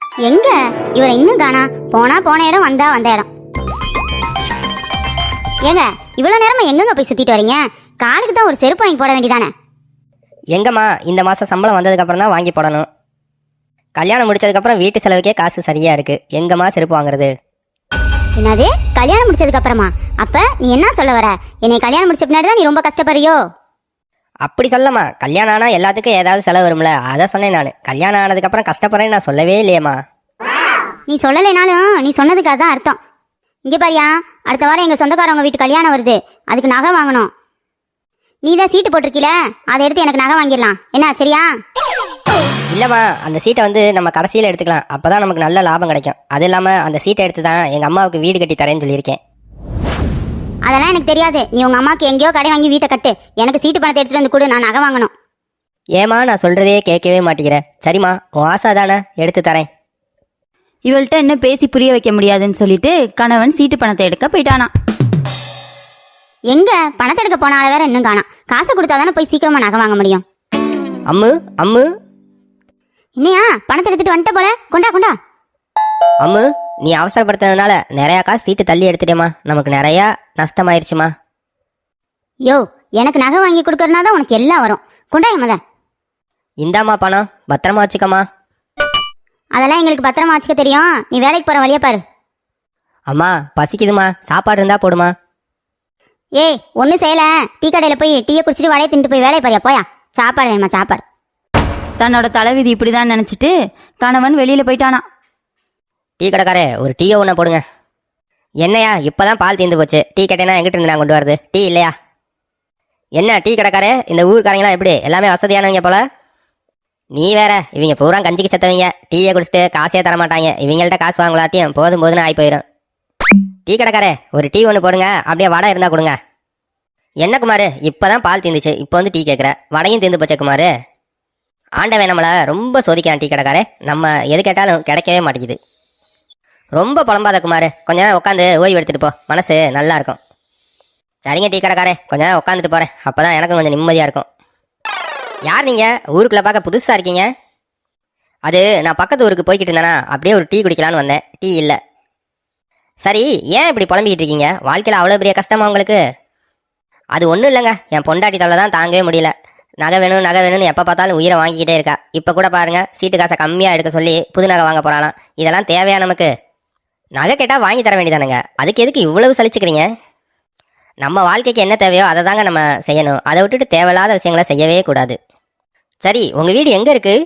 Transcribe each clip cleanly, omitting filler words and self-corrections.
எங்க இவரை இன்னும் காணா? போன இடம் வந்த இடம். ஏங்க இவ்வளவு நேரமா எங்கெங்க போய் சுத்திட்டு வரீங்க? காலுக்கு தான் ஒரு செருப்பு வாங்கி போட வேண்டியதானே? எங்கம்மா, இந்த மாதம் சம்பளம் வந்ததுக்கப்புறம் தான் வாங்கி போடணும். கல்யாணம் முடிச்சதுக்கப்புறம் வீட்டு செலவுக்கே காசு சரியா இருக்கு. எங்கம்மா செருப்பு வாங்குறது? என்னது கல்யாணம் முடிச்சதுக்கு அப்புறமா? அப்ப நீ என்ன சொல்ல வர? என்னை கல்யாணம் முடிச்ச பின்னாடி தான் நீ ரொம்ப கஷ்டப்படுறியோ? அப்படி சொல்லம்மா. கல்யாணம் ஆனால் எல்லாத்துக்கும் ஏதாவது செலவு வரும்ல, அதை சொன்னேன் நான். கல்யாணம் ஆனதுக்கப்புறம் கஷ்டப்படுறேன்னு நான் சொல்லவே இல்லையம்மா. நீ சொல்லலைனாலும் நீ சொன்னதுக்கு அதான் அர்த்தம். இங்கே பாரியா, அடுத்த வாரம் எங்கள் சொந்தக்காரவங்க வீட்டு கல்யாணம் வருது. அதுக்கு நகை வாங்கணும். நீ தான் சீட்டு போட்டிருக்கீல, அதை எடுத்து எனக்கு நகை வாங்கிடலாம். என்ன சரியா? இல்லைம்மா, அந்த சீட்டை வந்து நம்ம கடைசியில் எடுத்துக்கலாம். அப்போ தான் நமக்கு நல்ல லாபம் கிடைக்கும். அது இல்லாமல் அந்த சீட்டை எடுத்து தான் எங்கள் அம்மாவுக்கு வீடு கட்டி தரேன்னு சொல்லியிருக்கேன். அதெல்லாம் எனக்கு தெரியாது. நீ உங்கள் அம்மாவுக்கு எங்கேயோ கடை வாங்கி வீட்டை கட்டு. எனக்கு சீட்டு பணத்தை எடுத்துகிட்டு வந்து கொடு, நான் நகை வாங்கணும். ஏமா, நான் சொல்கிறதே கேட்கவே மாட்டேங்கிறேன். சரிம்மா, உன் ஆசை தானே, எடுத்து தரேன். இவள்கிட்ட என்ன பேசி புரிய வைக்க முடியாதுன்னு சொல்லிட்டு கணவன் சீட்டு பணத்தை எடுக்க போயிட்டானா. எங்க பணத்தை எடுக்க போன ஆள வேற இன்னும் காணா. காசை கொடுத்தாதானே போய் சீக்கிரமா நகை வாங்க முடியும். அம்மு அம்மு, என்னையா பணத்தை எடுத்துட்டு வந்துட்ட போல? கொண்டா கொண்டா. அம்மு, நீ அவசரப்படுத்துறதுனால நிறையா காசு சீட்டு தள்ளி எடுத்துட்டேம்மா. நமக்கு நிறையா நஷ்டமாயிருச்சுமா. யோ, எனக்கு நகை வாங்கி கொடுக்கறனா தான் உனக்கு எல்லாம் வரும். கொண்டா எமத. இந்தாம்மா பணம், பத்திரமா வச்சுக்கம்மா. அதெல்லாம் எங்களுக்கு பத்திரமா வச்சுக்க தெரியும். நீ வேலைக்கு போற வழியா பாரு. அம்மா பசிக்குதுமா, சாப்பாடு இருந்தா போடுமா. ஏய் ஒன்றும் செய்யல. டீ கடையில் போய் டீயை குடிச்சிட்டு வடையை தின்ட்டு போய் வேலையை பாரியா. போயா, சாப்பாடு வேணுமா? சாப்பாடு. தன்னோட தலைவிதி இப்படிதான் நினைச்சிட்டு கணவன் வெளியில போயிட்டானா. டீ கடைக்காரே, ஒரு டீயை ஒன்று போடுங்க. என்னையா, இப்போதான் பால் தீர்ந்து போச்சு. டீ கேட்டேன்னா எங்கிட்ட இருந்து நான் கொண்டு வரது? டீ இல்லையா? என்ன டீ கடைக்காரே, இந்த ஊருக்காரங்களாம் எப்படி எல்லாமே வசதியானவங்க போல? நீ வேற, இவங்க பூரா கஞ்சிக்கு செத்தவங்க. டீயை குடிச்சிட்டு காசே தரமாட்டாங்க. இவங்கள்ட்ட காசு வாங்கலாட்டியும் போதும் போதுன்னு ஆகி போயிடும். டீ கடைக்காரே, ஒரு டீ ஒன்று போடுங்க. அப்படியே வடை இருந்தால் கொடுங்க. என்ன குமார், இப்போதான் பால் தீர்ந்துச்சு, இப்போ வந்து டீ கேட்குற? வடையும் தீர்ந்து போச்சே குமார். ஆண்டவன் நம்மளை ரொம்ப சோதிக்கிறான் டீ கடைக்காரே. நம்ம எது கேட்டாலும் கிடைக்கவே மாட்டேங்குது. ரொம்ப புலம்பாத குமார், கொஞ்ச நேரம் உட்காந்து ஓய்வு எடுத்துகிட்டு போ, மனசு நல்லா இருக்கும். சரிங்க டீ கடைக்காரே, கொஞ்ச நேரம் உட்காந்துட்டு போகிறேன். அப்போ தான் எனக்கும் கொஞ்சம் நிம்மதியாக இருக்கும். யார் நீங்கள்? ஊருக்குள்ளே பார்க்க புதுசாக இருக்கீங்க. அது நான் பக்கத்து ஊருக்கு போய்கிட்டு இருந்தேனா, அப்படியே ஒரு டீ குடிக்கலான்னு வந்தேன். டீ இல்லை. சரி, ஏன் இப்படி புலம்பிக்கிட்டு இருக்கீங்க? வாழ்க்கையில் அவ்வளோ பெரிய கஷ்டமா உங்களுக்கு? அது ஒன்றும் இல்லைங்க, என் பொண்டாட்டி தொல்லை தான் தாங்கவே முடியல. நகை வேணும் நகை வேணும்னு எப்போ பார்த்தாலும் உயிரை வாங்கிக்கிட்டே இருக்கா. இப்போ கூட பாருங்கள், சீட்டு காசை கம்மியாக எடுக்க சொல்லி புது நகை வாங்க போகிறாளாம். இதெல்லாம் தேவையா நமக்கு? நகை கேட்டால் வாங்கி தர வேண்டியதானுங்க, அதுக்கு எதுக்கு இவ்வளவு சலிச்சுக்கிறீங்க? நம்ம வாழ்க்கைக்கு என்ன தேவையோ அதை தாங்க நம்ம செய்யணும். அதை விட்டுட்டு தேவையில்லாத விஷயங்களை செய்யவே கூடாது. சரி, உங்கள் வீடு எங்கே இருக்குது?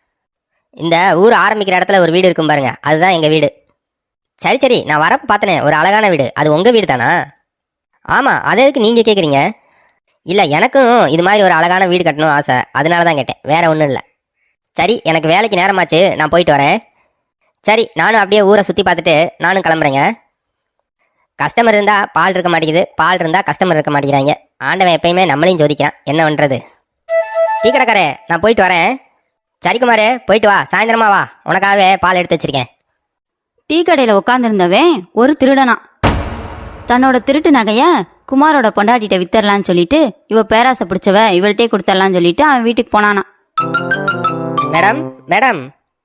இந்த ஊர் ஆரம்பிக்கிற இடத்துல ஒரு வீடு இருக்கும் பாருங்க, அதுதான் எங்கள் வீடு. சரி சரி, நான் வரப்போ பார்த்தனே ஒரு அழகான வீடு, அது உங்கள் வீடு தானா? ஆமாம், அதை எதுக்கு நீங்கள் கேட்குறீங்க? இல்லை, எனக்கும் இது மாதிரி ஒரு அழகான வீடு கட்டணும் ஆசை, அதனால தான் கேட்டேன், வேற ஒன்றும் இல்லை. சரி, எனக்கு வேலைக்கு நேரமாச்சு, நான் போயிட்டு வரேன். சரி, நானும் அப்படியே ஊரை சுற்றி பார்த்துட்டு நானும் கிளம்புறேங்க. கஸ்டமர் இருந்தால் பால் இருக்க மாட்டேங்குது, பால் இருந்தால் கஸ்டமர் இருக்க மாட்டேங்கிறாங்க. ஆண்டவன் எப்பயுமே நம்மளையும் ஜோதிக்கான், என்ன பண்ணுறது? டீ கடைக்காரே, நான் போயிட்டு வரேன். சரி குமார், போயிட்டு வா, சாயந்தரமா வா, உனக்காகவே பால் எடுத்து வச்சிருக்கேன். டீ கடையில உட்காந்துருந்தவன் ஒரு திருடனா. தன்னோட திருட்டு நகைய குமாரோட பொண்டாட்டிட்ட வித்தரலான்னு சொல்லிட்டு இவ பேராசை பிடிச்சவ இவள்கிட்டே கொடுத்துடலான்னு சொல்லிட்டு அவன் வீட்டுக்கு போனானா. மேடம் மேடம்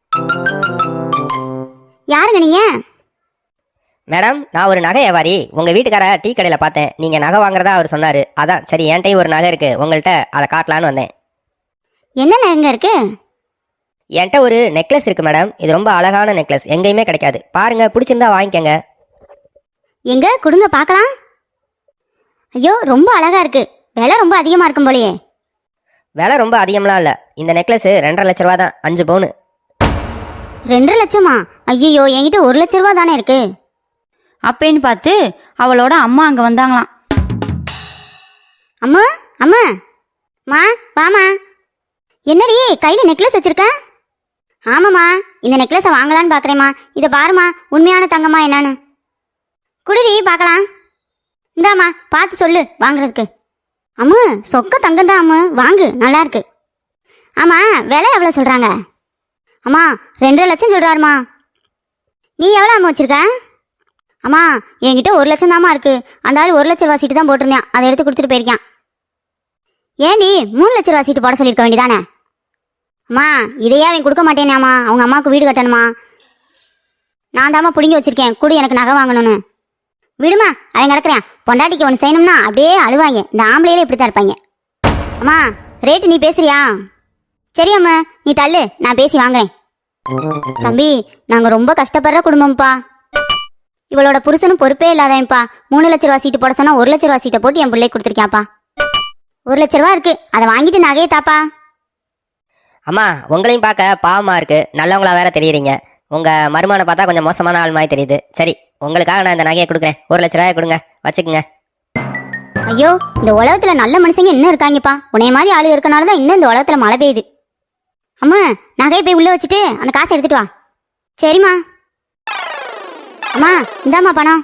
யாருங்க நீங்க? மேடம், நான் ஒரு நகை வியாபாரி. உங்கள் வீட்டுக்கார டீ கடையில் பார்த்தேன், நீங்கள் நகை வாங்குறதா அவர் சொன்னார். அதான் சரி, என்கிட்டயும் ஒரு நகை இருக்குது, உங்கள்கிட்ட அதை காட்டலான்னு வந்தேன். என்ன நகைங்க இருக்கு? என்கிட்ட ஒரு நெக்லஸ் இருக்குது மேடம். இது ரொம்ப அழகான நெக்லஸ், எங்கேயுமே கிடைக்காது. பாருங்க, பிடிச்சிருந்தா வாங்கிக்கங்க. எங்க கொடுங்க பார்க்கலாம். ஐயோ, ரொம்ப அழகா இருக்கு. விலை ரொம்ப அதிகமா இருக்கும் போலயே. விலை ரொம்ப அதிகம்லாம் இல்லை, இந்த நெக்லஸ் 2.5 லட்ச ரூபா தான், 5 பவுனு. 2 லட்சமா? ஐயோ, என்கிட்ட 1 லட்ச ரூபா தானே இருக்கு. அப்பேன்னு பார்த்து அவளோட அம்மா அங்க வந்தாங்களாம். அம்மா அம்மா, மா வாமா. என்னடி கையில நெக்லஸ் வச்சிருக்க? ஆமாம்மா, இந்த நெக்லஸை வாங்கலான்னு பார்க்குறேம்மா. இதை பாருமா, உண்மையான தங்கம்மா என்னன்னு. குடிடி பார்க்கலாம். இந்தாம்மா, பார்த்து சொல்லு வாங்குறதுக்கு. அம்மு, சொக்க தங்கம் தான் அம்மு, வாங்கு, நல்லா இருக்கு. ஆமாம், விலை எவ்வளோ சொல்கிறாங்க? அம்மா 2.5 லட்சம் சொல்கிறாருமா. நீ எவ்வளோ அம்மா வச்சிருக்க? அம்மா என்கிட்ட 1 லட்சம் தாம்மா இருக்கு. அந்த ஆள் 1 லட்ச ரூபா சீட்டு தான் போட்டிருந்தேன், அதை எடுத்து கொடுத்துட்டு போயிருக்கான். ஏண்டி 3 லட்ச ரூபா சீட்டு போட சொல்லியிருக்க வேண்டியதானே? அம்மா இதையே அவன் கொடுக்க மாட்டேனாம்மா, அவங்க அம்மாவுக்கு வீடு கட்டணுமா. நான் தாம்மா பிடுங்கி வச்சிருக்கேன் குடு எனக்கு நகை வாங்கணும்னு. விடுமா, அவன் கிடக்குறேன். பொண்டாட்டிக்கு ஒன்று செய்யணும்னா அப்படியே அழுவாங்க. இந்த ஆம்பளையிலே இப்படி தான் இருப்பாங்க. அம்மா ரேட்டு நீ பேசுறியா? சரி அம்மா நீ தள்ளு, நான் பேசி வாங்குறேன். தம்பி, நாங்கள் ரொம்ப கஷ்டப்படுற குடும்பம்ப்பா. இவளோட புருஷனும் பொறுப்பே இல்லாதவன்ப்பா. 3 லட்ச ரூபா சீட்டு போட சொன்னா 1 லட்ச ரூபா சீட்டை போட்டு என் பிள்ளைக்கு கொடுத்துருக்கியாப்பா. 1 லட்ச ரூபா இருக்கு, அதை வாங்கிட்டு நகையை தாப்பா. அம்மா உங்களையும் பார்க்க பாவமா இருக்கு, நல்லவங்களா வேற தெரியுறீங்க. உங்க மருமகனை பார்த்தா கொஞ்சம் மோசமான ஆள் மாதிரி தெரியுது. சரி, உங்களுக்காக நான் இந்த நகையை கொடுக்குறேன். 1 லட்ச ரூபாய் கொடுங்க, வச்சுக்கோங்க. ஐயோ, இந்த உலகத்துல நல்ல மனுஷங்க இன்னும் இருக்காங்கப்பா. உன்னைய மாதிரி ஆளு இருக்கனால தான் இன்னும் இந்த உலகத்துல மழை பெய்யுது. அம்மா நகையை போய் உள்ள வச்சுட்டு அந்த காசை எடுத்துட்டு வா. சரிம்மா. அம்மா இந்தாம்மா பணம்.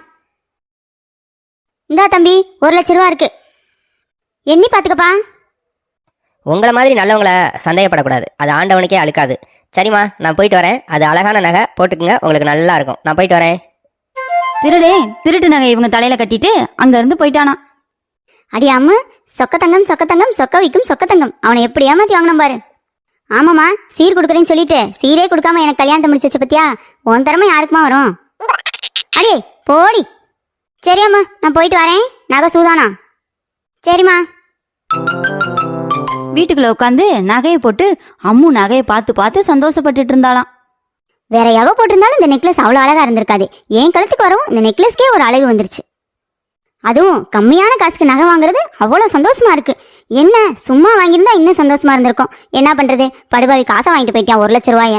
இந்தா தம்பி, 1 லட்ச ரூபா இருக்கு, எண்ணி பாத்துக்கப்பா. உங்களை மாதிரி நல்லவங்களை சந்தேகப்படக்கூடாது, அது ஆண்டவனுக்கே அழுக்காது. சரிம்மா, நான் போயிட்டு வரேன். அது அழகான நகை, போட்டுக்குங்க, உங்களுக்கு நல்லா இருக்கும். நான் போயிட்டு வரேன். திருடே திருட்டு நகை இவங்க தலையில கட்டிட்டு அங்க இருந்து போயிட்டானா. அடி அம்மு, சொக்க தங்கம் சொக்க தங்கம் சொக்க வைக்கும் சொக்க தங்கம். அவனை எப்படி ஏமாத்தி வாங்கினோம் பாரு. ஆமாம்மா, சீர் கொடுக்குறேன்னு சொல்லிட்டு சீரே கொடுக்காம எனக்கு கல்யாணத்தை முடிச்சு வச்ச பத்தியா? உன் திறமை யாருக்குமா வரும்? அடே போடி. சரி அம்மா, நான் போயிட்டு வரேன். நகை சூதானா? சரிம்மா. வீட்டுக்குள்ள உட்காந்து நகையை போட்டு அம்மு நகையை பார்த்து பார்த்து சந்தோஷப்பட்டுட்டு இருந்தாளாம். வேற எவ போட்டிருந்தாலும் இந்த நெக்லஸ் அவ்வளோ அழகா இருந்திருக்காது. என் கழுத்துக்கு வரவும் இந்த நெக்லஸ்க்கே ஒரு அழகு வந்துருச்சு. அதுவும் கம்மியான காசுக்கு நகை வாங்குறது அவ்வளோ சந்தோஷமா இருக்கு. என்ன சும்மா வாங்கியிருந்தா இன்னும் சந்தோஷமா இருந்திருக்கும். என்ன பண்றது, படுபாவி காசை வாங்கிட்டு போயிட்டான் 1 லட்ச ரூபாய.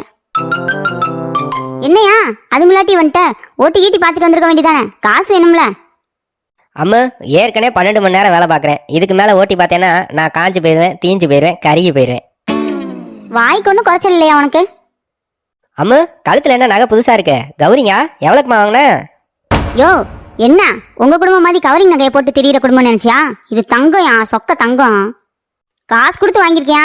என்னையா அது முன்னாடி வந்துட்ட? ஓட்டி கீட்டி பார்த்துட்டு வந்திருக்க வேண்டியதானே, காசு வேணும்ல? அம்மு, ஏற்கனவே 12 மணி நேரம் வேலை பார்க்குறேன். இதுக்கு மேலே ஓட்டி பார்த்தேன்னா நான் காஞ்சு போயிடுவேன், தீஞ்சு போயிடுவேன், கருகி போயிடுவேன். வாய்க்கு ஒன்றும் குறைச்சல் இல்லையா உனக்கு? அம்மு, கழுத்தில் என்ன நகை புதுசாக இருக்கு? கௌரிங்க எவ்வளோக்குமா வாங்கினேன்? யோ என்ன உங்க குடும்பம் மாதிரி கவரிங் நகையை போட்டு திரியிற குடும்பம் நினைச்சியா? இது தங்கம், சொக்க தங்கம். காசு கொடுத்து வாங்கியிருக்கியா?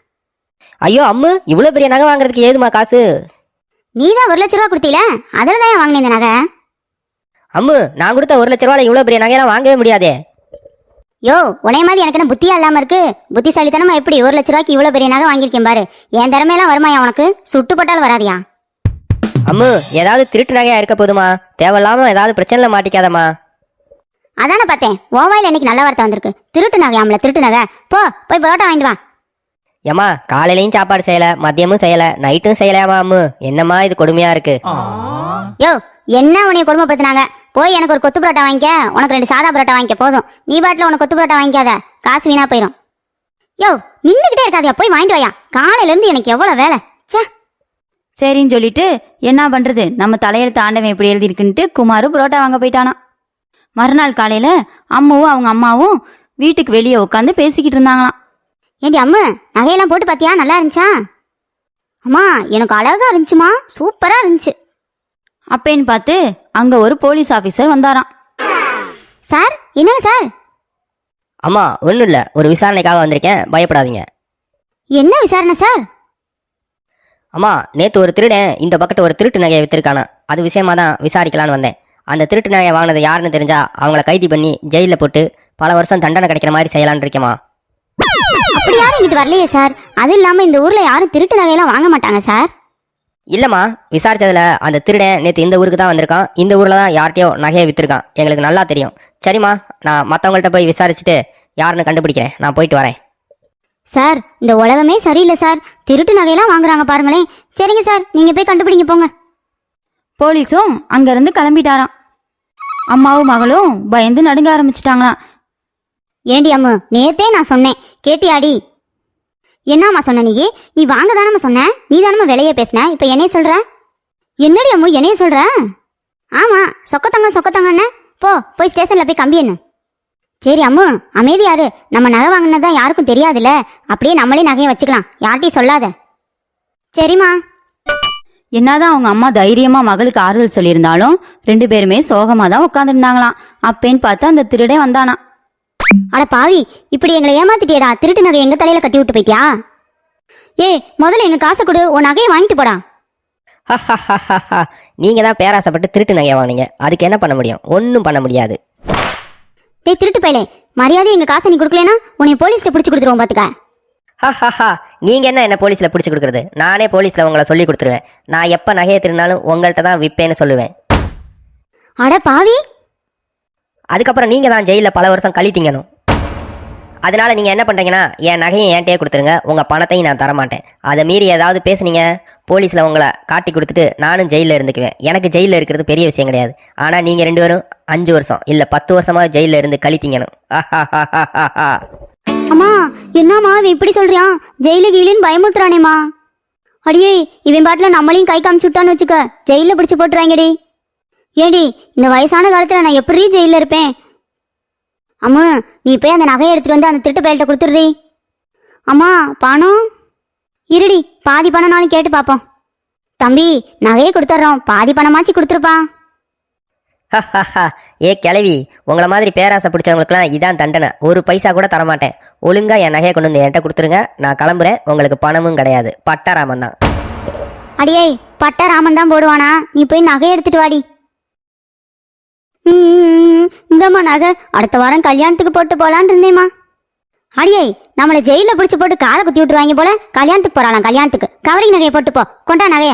ஐயோ அம்மு, இவ்வளோ பெரிய நகை வாங்குறதுக்கு ஏதுமா காசு? நீ தான் 1 லட்ச ரூபா கொடுத்தீல, அதில் தான் வாங்கினேன் இந்த நகை. அம்மு, நான் கொடுத்த 1 லட்ச ரூபாய் இவ்வளோ பெரிய நகையெல்லாம் வாங்கவே முடியாதே. யோ உனைய மாதிரி எனக்கு என்ன புத்தியா இல்லாம இருக்கு? புத்திசாலித்தனமா எப்படி 1 லட்ச ரூபாய்க்கு இவ்வளவு பெரிய நகை வாங்கியிருக்கேன் பாரு. என் திறமையெல்லாம் வருமாயா உனக்கு? சுட்டு போட்டாலும் வராதியா? அம்மு, ஏதாவது திருட்டு நகையா இருக்க போதுமா? தேவையில்லாம ஏதாவது பிரச்சனைல மாட்டிக்காதம்மா. அதானே பார்த்தேன், ஓவாயில் இன்னைக்கு நல்ல வார்த்தை வந்திருக்கு. திருட்டு நகை ஆமல, திருட்டு நகை. போய் பரோட்டா வாங்கிட்டு வா. ஏம்மா, காலையிலையும் சாப்பாடு செய்யல, மதியமும் செய்யல, நைட்டும் செய்யலையாமா? அம்மு, என்னம்மா இது கொடுமையா இருக்கு. யோ என்ன உனைய கொடுமைப்படுத்தினாங்க? போய் எனக்கு ஒரு கொத்து பரோட்டா வாங்கிக்க, உனக்கு 2 சாதா பரோட்டா வாங்கிக்க போதும். நீ பாட்டில் உனக்கு கொத்து பரோட்டா வாங்கிக்காத, காசு வீணா போயிடும். யோ நின்றுக்கிட்டே இருக்காதியா, போய் வாங்கிட்டு வாயா. காலையில இருந்து எனக்கு எவ்வளவு வேலை. சே. சரின்னு சொல்லிட்டு என்ன பண்றது, நம்ம தலையெழுத்து ஆண்டவன் எப்படி எழுதியிருக்குன்ட்டு குமாரு புரோட்டா வாங்க போயிட்டானா. மறுநாள் காலையில அம்மாவும் அவங்க அம்மாவும் வீட்டுக்கு வெளியே உட்காந்து பேசிக்கிட்டு இருந்தாங்களாம். ஏண்டி அம்மு, நகையெல்லாம் போட்டு பாத்தியா? நல்லா இருந்துச்சா? அம்மா எனக்கு அழகா இருந்துச்சுமா, சூப்பரா இருந்துச்சு. அப்பேன்னு பார்த்து அங்க ஒரு போலீஸ் ஆபீசர் வந்தாராம். சார் என்னங்க சார்? அம்மா ஒன்றும் இல்லை, ஒரு விசாரணைக்காக வந்திருக்கேன், பயப்படாதீங்க. என்ன விசாரணை சார்? அம்மா, நேற்று ஒரு திருடன் இந்த பக்கத்து ஒரு திருட்டு நகையை வித்திருக்கானா, அது விஷயமா தான் விசாரிக்கலான்னு வந்தேன். அந்த திருட்டு நகையை வாங்கினது யாருன்னு தெரிஞ்சா அவங்கள கைது பண்ணி ஜெயிலில் போட்டு பல வருஷம் தண்டனை கிடைக்கிற மாதிரி செய்யலான்னு இருக்கேம்மா. அப்படி யாரும் இங்கிட்டு வரலையே சார். அது இல்லாம இந்த ஊர்ல யாரும் திருட்டு நகையெல்லாம் வாங்க மாட்டாங்க சார். இல்லைம்மா, விசாரிச்சதுல அந்த திருடன் நேற்று இந்த ஊருக்கு தான் வந்திருக்கான். இந்த ஊரில் தான் யார்கிட்டயோ நகையை வித்திருக்கான், எங்களுக்கு நல்லா தெரியும். சரிம்மா, நான் மற்றவங்கள்ட்ட போய் விசாரிச்சுட்டு யாருன்னு கண்டுபிடிக்கிறேன். நான் போயிட்டு வரேன். சார் இந்த உலகமே சரியில்லை சார், திருட்டு நகையெல்லாம் வாங்குறாங்க பாருங்களேன். சரிங்க சார், நீங்க போய் கண்டுபிடிங்க போங்க. போலீஸும் அங்கிருந்து கிளம்பிட்டாராம். அம்மாவும் மகளும் பயந்து நடுங்க ஆரம்பிச்சிட்டாங்களாம். ஏண்டி அம்மு, நேத்தே நான் சொன்னேன், கேட்டியாடி? என்னம்மா சொன்ன நீ? நீ வாங்க தானம்மா சொன்ன, நீ தானம்மா விலையே பேசின, இப்ப என்னைய சொல்ற? என்னடி அம்மு என்னைய சொல்ற? ஆமா, சொக்கத்தங்க போய் ஸ்டேஷன்ல போய் கம்பி என்ன. சரி அம்மு அமைதியாரு, நம்ம நகை வாங்கினதான் யாருக்கும் தெரியாதுல்ல, அப்படியே நம்மளே நகையை வச்சுக்கலாம், யார்கிட்டையும் சொல்லாத. சரிம்மா. என்னதான் அவங்க அம்மா தைரியமா மகளுக்கு ஆறுதல் சொல்லியிருந்தாலும் 2 பேருமே சோகமா தான் உட்காந்துருந்தாங்களாம். அப்பேன்னு பார்த்து அந்த திருடே வந்தானா. அட பாவி, இப்படி எங்களை ஏமாத்திட்டியடா. திருட்டு நகை எங்க தலையில கட்டி விட்டு போயிட்டியா? முதல்ல எங்க காசை கொடு, உன் நகையை வாங்கிட்டு போடா. நீங்க தான் பேராசைப்பட்டு திருட்டு நகையை வாங்கினீங்க, அதுக்கு என்ன பண்ண முடியும்? ஒன்றும் பண்ண முடியாது. டேய் திருட்டு பையலே, மரியாதை எங்க காசை நீ கொடுக்கலனா உன்னை போலீஸ்ல பிடிச்சு கொடுத்துருவோம் பாத்துக்க. நீங்க என்ன போலீஸ்ல பிடிச்சி கொடுக்குறது? நானே போலீஸ்ல உங்களை சொல்லி கொடுத்துருவேன். நான் எப்ப நகையை திருநாலும் உங்கள்கிட்ட தான் விற்பேன்னு சொல்லுவேன். அட பாவி, அதுக்கப்புறம் நீங்க தான் ஜெயில பல வருஷம் கழித்தீங்கணும். அதனால நீங்க என்ன பண்றீங்கன்னா, என் நகையும் என்கிட்டயே கொடுத்துருங்க, உங்க பணத்தையும் நான் தரமாட்டேன். அதை மீறி ஏதாவது பேசுனீங்க, போலீஸ்ல உங்களை காட்டி கொடுத்துட்டு நானும் ஜெயில இருந்துக்குவேன். எனக்கு ஜெயில இருக்கிறது பெரிய விஷயம் கிடையாது. ஆனா நீங்க 2 பேரும் 5 வருஷம் இல்ல 10 வருஷமா ஜெயில இருந்து கழித்தீங்கணும். அம்மா என்னம்மா இவன் இப்படி சொல்றான்? ஜெயிலு கீழின்னு பயமுத்துறானேம்மா. அடியே, இவன் பாட்டில் நம்மளையும் கை காமிச்சு விட்டான்னு வச்சுக்க, ஜெயில பிடிச்சு போட்டுருவாங்கடி. ஏடி, இந்த வயசான காலத்துல நான் எப்படி ஜெயில இருப்பேன்? அம்மா, நீ போய் அந்த நகையை எடுத்துட்டு வந்து அந்த திருட்டு பயல்கிட்ட கொடுத்துடுறீ. அம்மா பணம் இருடி, பாதி பணம்னாலும் கேட்டு பார்ப்போம். தம்பி, நகையை கொடுத்துட்றோம், பாதி பணமாச்சு கொடுத்துருப்பான். ஏ கிளவி, உங்களை மாதிரி பேராசை பிடிச்சவங்களுக்குலாம் இதான் தண்டனை. ஒரு பைசா கூட தரமாட்டேன். ஒழுங்கா என் நகையை கொண்டு வந்து என்கிட்ட கொடுத்துருங்க, நான் கிளம்புறேன். உங்களுக்கு பணமும் கிடையாது, பட்டாராமன் தான். அடியே, பட்டாராமன் தான் போடுவானா? நீ போய் நகையை எடுத்துட்டு வாடி. இந்தம்மா நகை, அடுத்த வாரம் கல்யாணத்துக்கு போட்டு போலான் இருந்தேம்மா. அடியே, நம்மளை ஜெயில பிடிச்சு போட்டு காலை குத்தி விட்டுருவாங்க போல. கல்யாணத்துக்கு போறாளாம், கல்யாணத்துக்கு கவரிங் நகையை போட்டு போ. கொண்டா நகைய.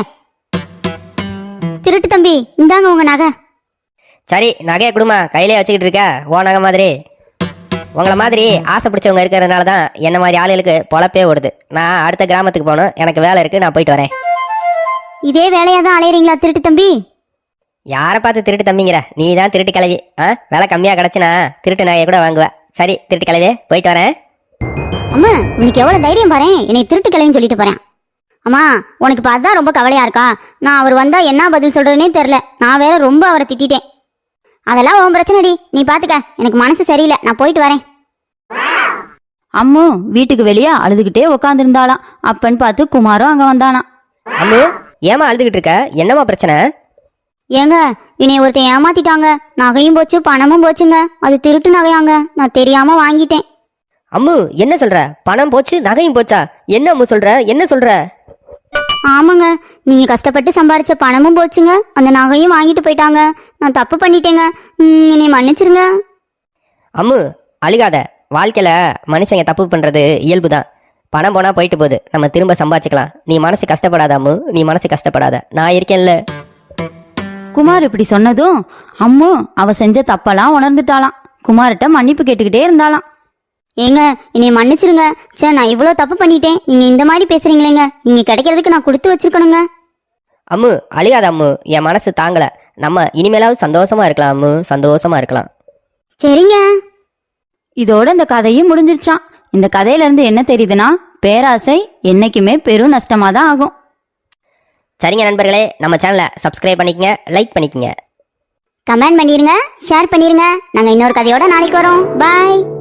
திருட்டு தம்பி, இந்தாங்க உங்க நகை. சரி, நகையை கொடுமா, கையிலே வச்சுக்கிட்டு இருக்க ஓ நகை மாதிரி. உங்களை மாதிரி ஆசை பிடிச்சவங்க இருக்கிறதுனால தான் என்ன மாதிரி ஆளுகளுக்கு பொழப்பே ஓடுது. நான் அடுத்த கிராமத்துக்கு போகணும், எனக்கு வேலை இருக்கு, நான் போயிட்டு வரேன். இதே வேலையா தான் அலையறீங்களா திருட்டு தம்பி? யாரை பார்த்து திருட்டு தம்பிங்கிற? நீ தான் திருட்டு கிளவி. விலை கம்மியா கிடைச்சுனா திருட்டு நகையை கூட வாங்குவேன். சரி திருட்டு கிளவி, போயிட்டு வரேன். அம்மா, உனக்கு எவ்வளவு தைரியம் பாரு, என்னை திருட்டு கிளவின்னு சொல்லிட்டு போறேன். அம்மா, உனக்கு இப்போ அதான் ரொம்ப கவலையா இருக்கா? நான் அவர் வந்தா என்ன பதில் சொல்றதுன்னே தெரியல. நான் வேற ரொம்ப அவரை திட்டிட்டேன். அதெல்லாம் உன் பிரச்சனைடி, நீ பாத்துக்க. எனக்கு மனசு சரியில்லை, நான் போயிட்டு வரேன். அம்மு வீட்டுக்கு வெளியே அழுதுகிட்டே உக்காந்துருந்தாளாம். அப்பன்னு பார்த்து குமாரும் அங்க வந்தானா. அம்மு, ஏமா அழுதுகிட்டு இருக்க? என்னம்மா பிரச்சனை? ஏங்க, என்னை ஒருத்தன் ஏமாத்திட்டாங்க. நகையும் போச்சு, பணமும் போச்சுங்க. அது திருட்டு நகையாங்க, நான் தெரியாம வாங்கிட்டேன். அம்மு, என்ன சொல்ற? பணம் போச்சு, நகையும் போச்சா? என்ன அம்மு சொல்ற? என்ன சொல்ற? ஆமாங்க, நீங்க கஷ்டப்பட்டு சம்பாரிச்ச பணமும் போச்சுங்க, அந்த நகையும் வாங்கிட்டு போயிட்டாங்க. நான் தப்பு பண்ணிட்டேங்க, என்னை மன்னிச்சிருங்க. அம்மு, அழுகாத. வாழ்க்கையில மனுஷங்க தப்பு பண்றது இயல்புதான். பணம் போனா போயிட்டு போகுது, நம்ம திரும்ப சம்பாதிச்சுக்கலாம். நீ மனசு கஷ்டப்படாத அம்மு, நீ மனசு கஷ்டப்படாத, நான் இருக்கேன்ல. குமார் இப்படி சொன்னதும் அம்மு அவ செஞ்ச தப்பெல்லாம் உணர்ந்துட்டாளாம். குமார்கிட்ட மன்னிப்பு கேட்டுக்கிட்டே இருந்தாளாம். ஏங்க, என்னை மன்னிச்சிருங்க. சே, நான் இவ்வளோ தப்பு பண்ணிட்டேன். நீங்க இந்த மாதிரி பேசுறீங்களேங்க. நீங்க கிடைக்கிறதுக்கு நான் கொடுத்து வச்சிருக்கணுங்க. அம்மு, அழுகாத அம்மு, என் மனசு தாங்கல. நம்ம இனிமேலாவது சந்தோஷமா இருக்கலாம் அம்மு, சந்தோஷமா இருக்கலாம். சரிங்க. இதோட இந்த கதையும் முடிஞ்சிருச்சான். இந்த கதையில இருந்து என்ன தெரியுதுன்னா, பேராசை என்னைக்குமே பெரும் நஷ்டமா தான் ஆகும். சரிங்க நண்பர்களே, நம்ம சேனலை சப்ஸ்கிரைப் பண்ணிக்கங்க, லைக் பண்ணிக்கங்க, கமெண்ட் பண்ணிருங்க, ஷேர் பண்ணிருங்க. நாங்க இன்னொரு கதையோட நாளைக்கு வரோம். பாய்.